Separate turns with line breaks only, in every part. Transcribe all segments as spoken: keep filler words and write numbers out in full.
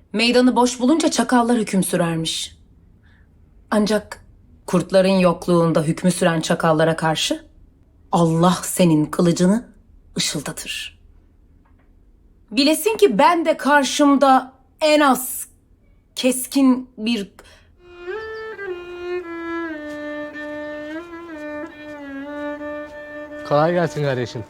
Meydanı boş bulunca çakallar hüküm sürermiş. Ancak kurtların yokluğunda hükmü süren çakallara karşı Allah senin kılıcını ışıldatır. Bilesin ki ben de karşımda en az keskin bir...
Kolay gelsin kardeşim.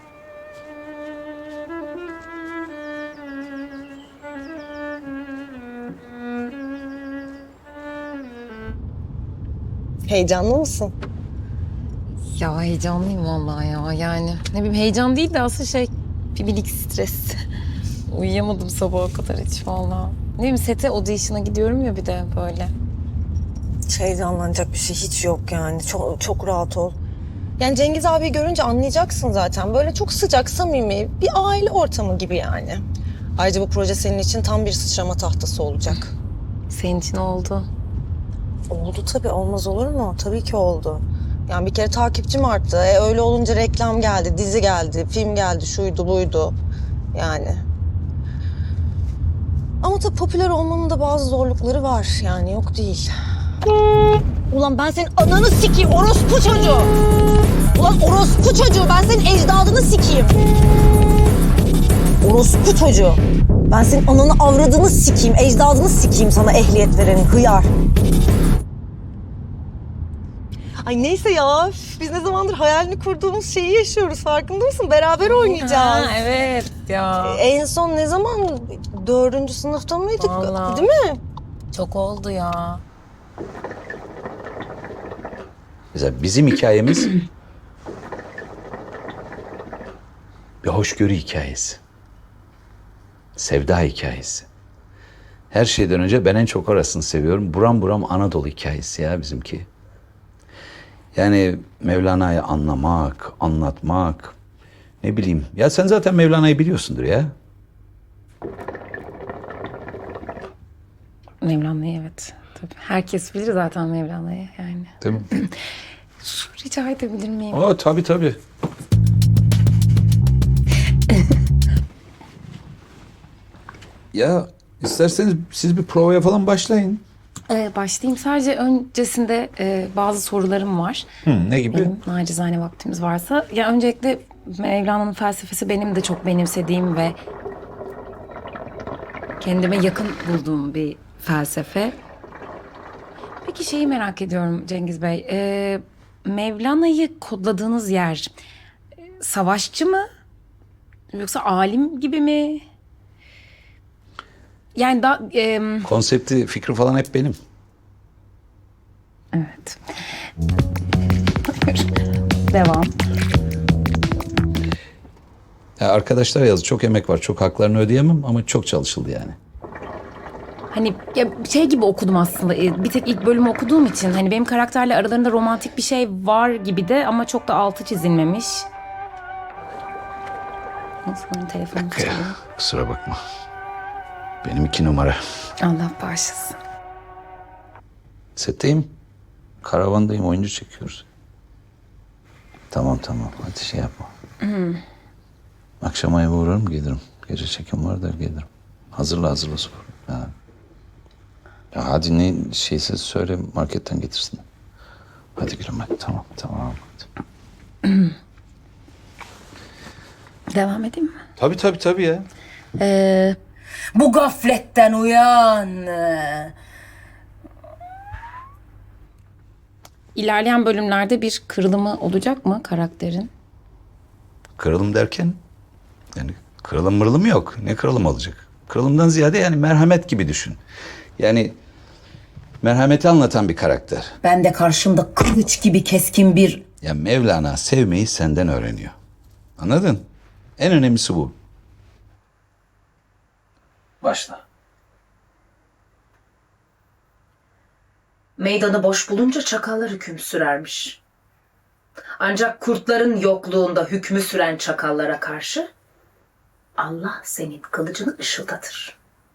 Heyecanlı mısın?
Ya heyecanlıyım vallahi ya. Yani ne bileyim heyecan değil de aslında şey bir minik stres. Uyuyamadım sabaha kadar hiç vallahi. Ne bileyim sete audition'a gidiyorum ya bir de böyle.
Hiç heyecanlanacak bir şey hiç yok yani. Çok, çok rahat ol. Yani Cengiz abi görünce anlayacaksın zaten. Böyle çok sıcak, samimi bir aile ortamı gibi yani. Ayrıca bu proje senin için tam bir sıçrama tahtası olacak.
Senin için oldu.
Oldu tabii, olmaz olur mu? Tabii ki oldu. Yani bir kere takipçim arttı. E, öyle olunca reklam geldi, dizi geldi, film geldi, şuydu buydu. Yani. Ama tabii popüler olmanın da bazı zorlukları var. Yani yok değil. Ulan ben senin ananı sikeyim orospu çocuğu. Ulan orospu çocuğu, ben senin ecdadını sikeyim. Orospu çocuğu. Ben senin ananı avradını sikeyim, ecdadını sikeyim sana ehliyet verenin hıyar. Ay neyse ya, biz ne zamandır hayalini kurduğumuz şeyi yaşıyoruz, farkında mısın? Beraber oynayacağız.
Ha, evet ya.
En son ne zaman? Dördüncü sınıfta mıydık?
Vallahi.
Değil mi?
Çok oldu ya.
Mesela bizim hikayemiz bir hoşgörü hikayesi. Sevda hikayesi. Her şeyden önce ben en çok orasını seviyorum. Buram buram Anadolu hikayesi ya bizimki. Yani Mevlana'yı anlamak, anlatmak, ne bileyim. Ya sen zaten Mevlana'yı biliyorsundur ya.
Mevlana'yı evet. Tabii. Herkes bilir zaten Mevlana'yı yani.
Değil mi?
Su rica edebilir miyim?
Aa, tabii tabii. Ya isterseniz siz bir provaya falan başlayın.
Ee, başlayayım. Sadece öncesinde e, bazı sorularım var.
Hı, ne gibi?
Benim nacizane vaktimiz varsa. Ya öncelikle Mevlana'nın felsefesi benim de çok benimsediğim ve kendime yakın bulduğum bir felsefe. Peki şeyi merak ediyorum Cengiz Bey. Ee, Mevlana'yı kodladığınız yer e, savaşçı mı? Yoksa alim gibi mi? Yani da e,
Konsepti, fikri falan hep benim.
evet. Devam.
Ya arkadaşlar yazdı, çok emek var, çok haklarını ödeyemem ama çok çalışıldı yani.
Hani ya şey gibi okudum aslında. e, Bir tek ilk bölümü okuduğum için hani benim karakterle aralarında romantik bir şey var gibi de ama çok da altı çizilmemiş. Nasıl telefonu çalıyor?
Kusura bakma. Benim iki numara.
Allah bağışlasın.
Setteyim. Karavandayım, oyuncu çekiyoruz. Tamam tamam, hadi şey yapma. Akşam eve uğrarım, gelirim. Gece çekim var da gelirim. Hazırla hazırla spor. Ha. Ya hadi ne şeyse söyle, marketten getirsin. Hadi gülüm hadi, tamam tamam. Hadi.
Devam edeyim mi?
Tabii tabii tabii ya.
Ee,
Bu gafletten uyan.
ilerleyen bölümlerde bir kırılımı olacak mı karakterin?
Kırılım derken yani kırılım mırılım yok. Ne kırılım olacak? Kırılımdan ziyade yani merhamet gibi düşün. Yani merhameti anlatan bir karakter.
Ben de karşımda kılıç gibi keskin bir...
Ya Mevlana sevmeyi senden öğreniyor. Anladın? En önemlisi bu. Başla.
Meydanı boş bulunca çakallar hüküm sürermiş. Ancak kurtların yokluğunda hükmü süren çakallara karşı Allah senin kılıcını ışıldatır.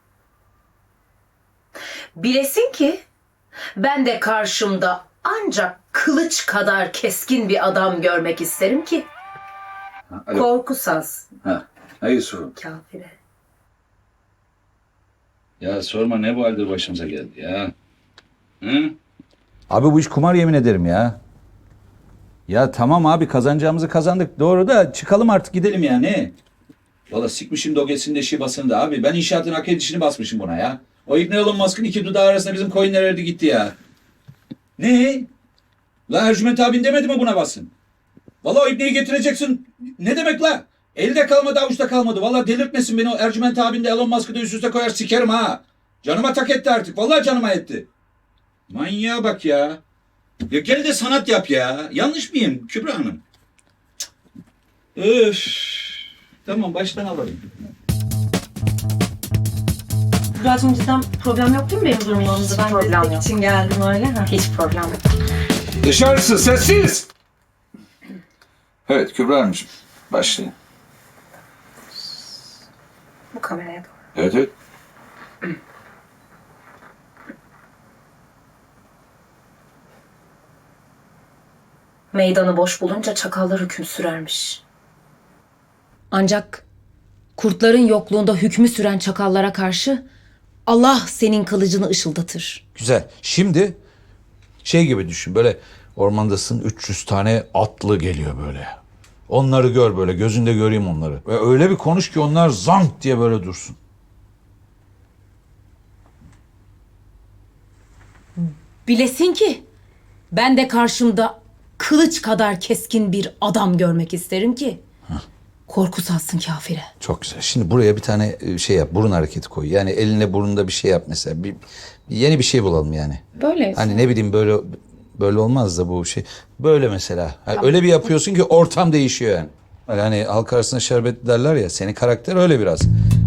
Bilesin ki ben de karşımda ancak kılıç kadar keskin bir adam görmek isterim ki
Alo.
korku saz
Ha. Ha Yusuf'um.
kafire.
Ya sorma ne bu halde başımıza geldi ya. Hı? Abi bu iş kumar yemin ederim ya. Ya tamam abi kazanacağımızı kazandık. Doğru da çıkalım artık gidelim ya ne? Valla sikmişim dogesinde şibasını da abi. Ben inşaatın hak edişini basmışım buna ya. O İbni Elon Musk'ın iki dudağı arasında bizim coinler erdi gitti ya. Ne? La Ercüment abin demedi mi buna basın? Valla o İbni'yi getireceksin. Ne demek la? Elde kalmadı avuçta kalmadı. Valla delirtmesin beni o Ercüment abin de Elon Musk'ı da üst üste koyar sikerim ha. Canıma tak etti artık. Valla canıma etti. Manyağa bak ya. Ya gel de sanat yap ya. Yanlış mıyım Kübra Hanım? Cık. Öf. Tamam baştan alalım.
Kübra'cığım cidden problem yok değil mi benim durumumda? Ben
problem
destek
yok.
için geldim öyle. Ha.
Hiç problem yok.
Dışarısı sessiz. Evet Kübra Hanımcığım. Başlayın.
Bu kameraya doğru.
Evet evet.
Meydanı boş bulunca çakallar hüküm sürermiş. Ancak kurtların yokluğunda hükmü süren çakallara karşı Allah senin kılıcını ışıldatır.
Güzel. Şimdi şey gibi düşün. Böyle ormandasın üç yüz tane atlı geliyor böyle. Onları gör böyle. Gözünde göreyim onları. Ve öyle bir konuş ki onlar zank diye böyle dursun.
Bilesin ki ben de karşımda kılıç kadar keskin bir adam görmek isterim ki korku salsın kafire.
Çok güzel. Şimdi buraya bir tane e, şey yap. Burun hareketi koy. Yani eline burnunda bir şey yap mesela. Bir, bir yeni bir şey bulalım yani.
Böyle.
Hani ne bileyim böyle böyle olmaz da bu şey. Böyle mesela. Hani öyle bir yapıyorsun ki ortam değişiyor yani. Yani halk arasında şerbet derler ya. Senin karakter öyle biraz.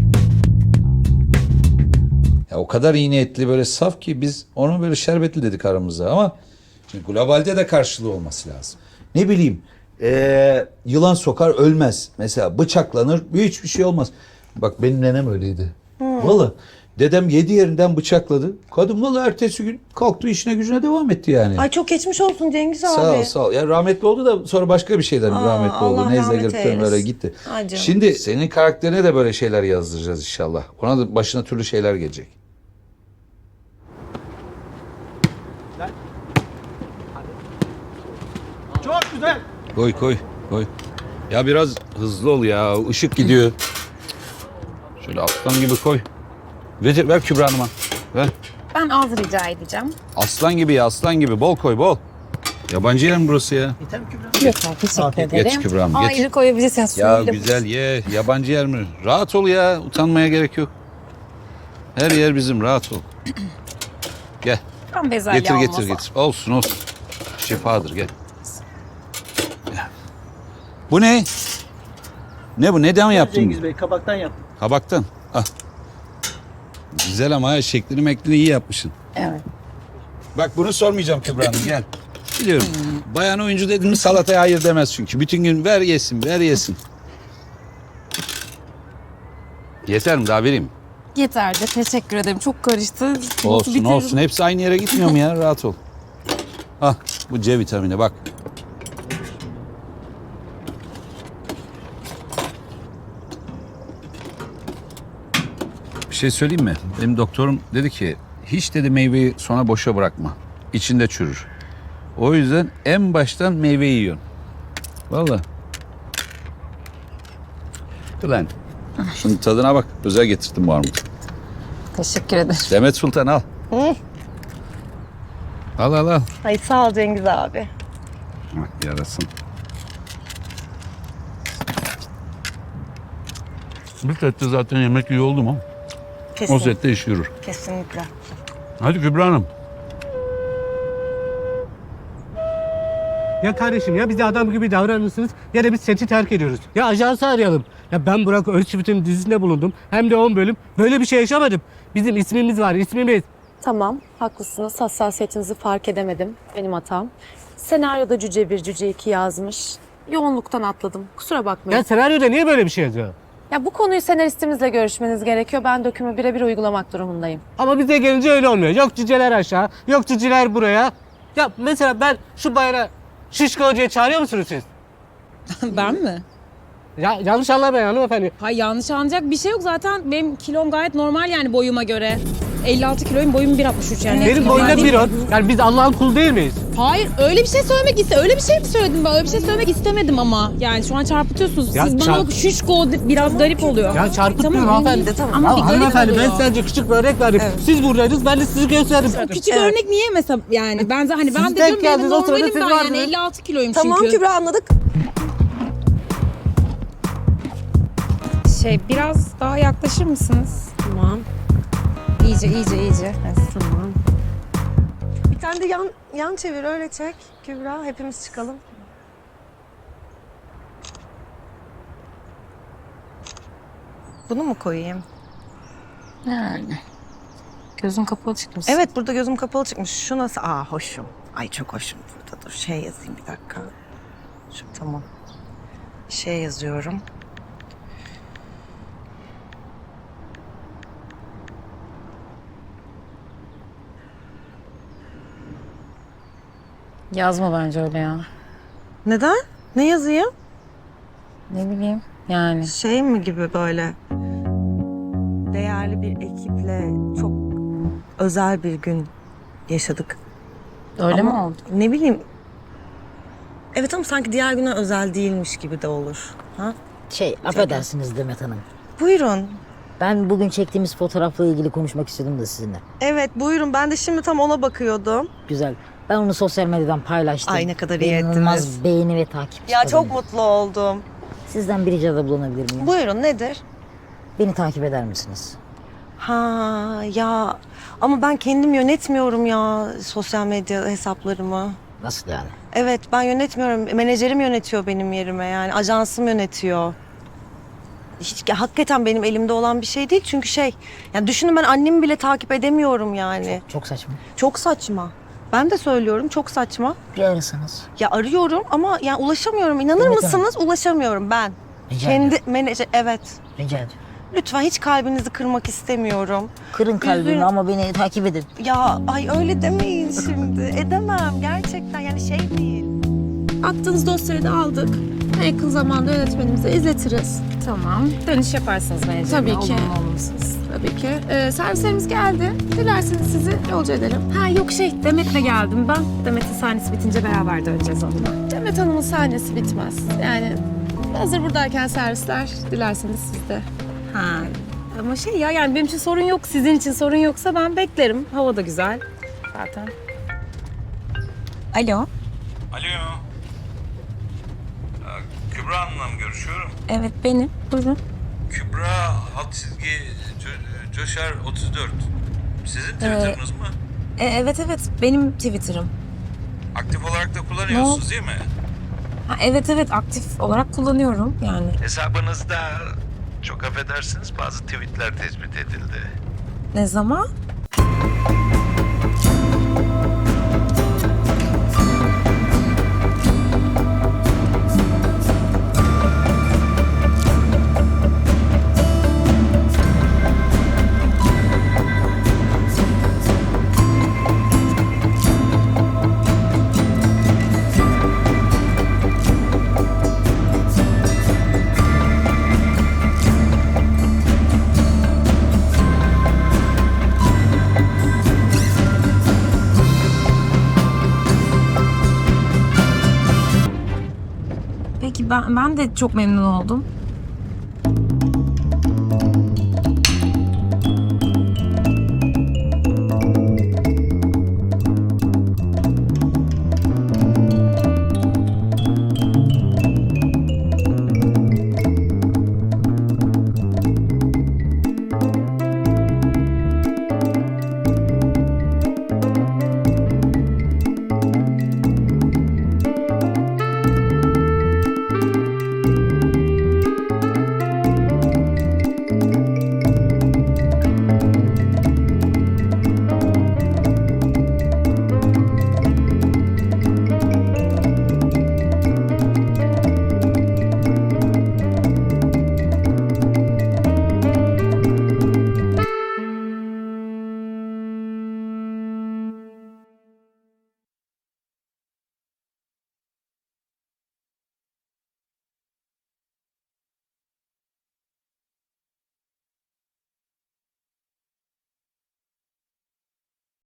Ya o kadar iyi niyetli böyle saf ki biz onu böyle şerbetli dedik aramızda ama şimdi globalde de karşılığı olması lazım. Ne bileyim ee, yılan sokar ölmez. Mesela bıçaklanır hiçbir şey olmaz. Bak benim nenem öyleydi. Valla dedem yedi yerinden bıçakladı. Kadın valla ertesi gün kalktı işine gücüne devam etti yani.
Ay çok geçmiş olsun Cengiz abi.
Sağ ol sağ ol. Ya rahmetli oldu da sonra başka bir şeyden
Aa,
rahmetli
Allah
oldu. Nezle
rahmet
girip
eylesin.
böyle gitti.
Ay canım.
Şimdi senin karakterine de böyle şeyler yazdıracağız inşallah. Ona da başına türlü şeyler gelecek.
Çok güzel.
Koy koy koy. Ya biraz hızlı ol ya. Işık gidiyor. Şöyle aslan gibi koy. Ver, ver Kübra Hanım'a. Ver.
Ben az rica edeceğim.
Aslan gibi ya aslan gibi. Bol koy bol. Yabancı yer mi burası ya?
Yeter mi Kübra?
Yok abi teşekkür ederim.
Geç Kübra Hanım geç.
Ayrı koyabilirsin.
Ya
Suyuyla-
güzel ye. Yabancı yer mi? Rahat ol ya. Utanmaya gerek yok. Her yer bizim. Rahat ol. Gel.
Ben bezelye
Getir getir
olmasa.
getir. Olsun olsun. Şifadır gel. Gel. Bu ne? Ne bu? Neden yaptın?
Cengiz Bey kabaktan yaptım.
Kabaktan. Ah. Güzel ama ha, şeklini meklini iyi yapmışsın.
Evet.
Bak bunu sormayacağım Kübra Hanım gel. Biliyorum. Bayan oyuncu dedin mi salataya hayır demez çünkü. Bütün gün ver yesin ver yesin. Yeter mi daha vereyim?
Yeterli. Teşekkür ederim. Çok karıştı.
Olsun
Bitiririm.
olsun. Hepsi aynı yere gitmiyor mu ya? Rahat ol. Ah bu C vitamini bak. Bir şey söyleyeyim mi? Benim doktorum dedi ki hiç dedi meyveyi sona boşa bırakma. İçinde çürür. O yüzden en baştan meyveyi yiyorsun. Vallahi. Ulan. Şunun tadına bak. Özel getirdim bu armudu.
Teşekkür ederim.
Demet Sultan al. Al al al.
Ay sağ ol Cengiz abi.
Bak yarasın. Bir sette zaten yemek iyi oldu mu? O
Kesin,
sette iş yürür.
kesinlikle.
Hadi Kübra Hanım.
Ya kardeşim ya bize adam gibi davranırsınız ya da biz seti terk ediyoruz. Ya ajansı arayalım. Ya ben Burak Özçivit'in dizisinde bulundum. Hem de on bölüm. Böyle bir şey yaşamadım. Bizim ismimiz var ismimiz.
Tamam, haklısınız. Hassasiyetinizi fark edemedim. Benim hatam. Senaryoda Cüce bir, Cüce iki yazmış. Yoğunluktan atladım. Kusura bakmayın.
Ya senaryoda niye böyle bir şey yazıyor?
Ya bu konuyu senaristimizle görüşmeniz gerekiyor. Ben dökümü birebir uygulamak durumundayım.
Ama bize gelince öyle olmuyor. Yok cüceler aşağı, yok cüceler buraya. Ya mesela ben şu bayrağı Şişko Hoca'yı çağırıyor musunuz siz?
Ben mi?
Ya, yanlış anlamayın hanımefendi.
Hayır, yanlış anlayacak bir şey yok zaten. Benim kilom gayet normal yani boyuma göre. elli altı kiloyum, boyum bir altmış üç yani.
Benim
Normal
boyumda
değil
bir
mi?
on. Yani biz Allah'ın kulu değil miyiz?
Hayır öyle bir şey söylemek iste. Öyle bir şey mi söyledim ben? Öyle bir şey söylemek istemedim ama. Yani şu an çarpıtıyorsunuz.
Ya
Siz bana
çarp-
bak şişko biraz garip oluyor.
Ya çarpıtmıyorum
Tamam,
hanımefendi.
tamam.
Ama bir garip
Hanımefendi ben
oluyor.
sadece küçük bir örnek verdim. Siz buradaydınız ben de sizi gösterdim.
O küçük
Evet.
örnek niye mesela yani ben de hani ben
Siz
de
denk
diyorum benim
geldiniz, o sırada
normalim
siz
ben yani
vardınız.
elli altı kiloyum
Tamam
çünkü.
Kübra anladık.
Şey, biraz daha yaklaşır mısınız?
Tamam.
İyice, iyice, iyice.
Tamam. Bir tane de yan, yan çevir öyle çek Kübra. Hepimiz çıkalım. Bunu mu koyayım?
Yani. Gözüm kapalı çıkmış.
Evet burada gözüm kapalı çıkmış. Şu nasıl? Aa hoşum. Ay çok hoşum burada. Dur şey yazayım bir dakika. Şu tamam. Şey yazıyorum.
Yazma bence öyle ya.
Neden? Ne yazayım?
Ne bileyim yani.
Şey mi gibi böyle? Değerli bir ekiple çok özel bir gün yaşadık.
Öyle
Ama
mi oldu?
Ne bileyim. Evet ama sanki diğer güne özel değilmiş gibi de olur. Ha?
Şey, affedersiniz Demet Hanım.
Buyurun.
Ben bugün çektiğimiz fotoğrafla ilgili konuşmak istedim de sizinle.
Evet buyurun. Ben de şimdi tam ona bakıyordum.
Güzel. Ben onu sosyal medyadan paylaştım.
Ay, ne kadar iyi
İnanılmaz
ettiniz.
beğeni ve takipçi
Ya çok
kazandım.
mutlu oldum.
Sizden bir ricada bulunabilir miyim?
Buyurun nedir?
Beni takip eder misiniz?
Ha ya ama ben kendim yönetmiyorum ya sosyal medya hesaplarımı.
Nasıl yani?
Evet ben yönetmiyorum. Menajerim yönetiyor benim yerime yani. Ajansım yönetiyor. Hiç hakikaten benim elimde olan bir şey değil. Çünkü şey yani düşünün ben annemi bile takip edemiyorum yani.
Çok saçma.
Çok saçma. Ben de söylüyorum çok saçma.
Bir arasanız.
Ya arıyorum ama yani ulaşamıyorum. İnanır
Evet,
mısınız? Ulaşamıyorum ben.
Rica
Kendi
ediyorum.
menajer evet.
Rica ediyorum.
Lütfen hiç kalbinizi kırmak istemiyorum.
Kırın kalbimi
Üzgün-
ama beni takip edin.
Ya ay öyle demeyin şimdi. Edemem gerçekten yani şey değil.
Attığınız dosyayı da aldık. En yakın zamanda yönetmenimize izletiriz.
Tamam. Dönüş yaparsınız bence.
Tabii ki.
Olumlu olumsuz.
Tabii ki. Ee, servislerimiz geldi. Dilerseniz sizi yolcu edelim.
Ha yok şey Demet'le geldim ben. Demet'in sahnesi bitince beraber döneceğiz onunla.
Demet Hanım'ın sahnesi bitmez. Yani hazır buradayken servisler dilerseniz siz de.
Ha. Ama şey ya yani benim için sorun yok. Sizin için sorun yoksa ben beklerim. Hava da güzel zaten. Alo.
Alo. Kübra Hanım'la mı görüşüyorum?
Evet benim. Buyurun.
Kübra alt çizgi Co- Coşar otuz dört. Sizin Twitter'ınız mı?
E, evet evet benim Twitter'ım.
Aktif olarak da kullanıyorsunuz değil mi?
Ha, evet evet aktif olarak kullanıyorum yani.
Hesabınızda çok affedersiniz bazı tweetler tespit edildi.
Ne zaman? Peki ben ben de çok memnun oldum.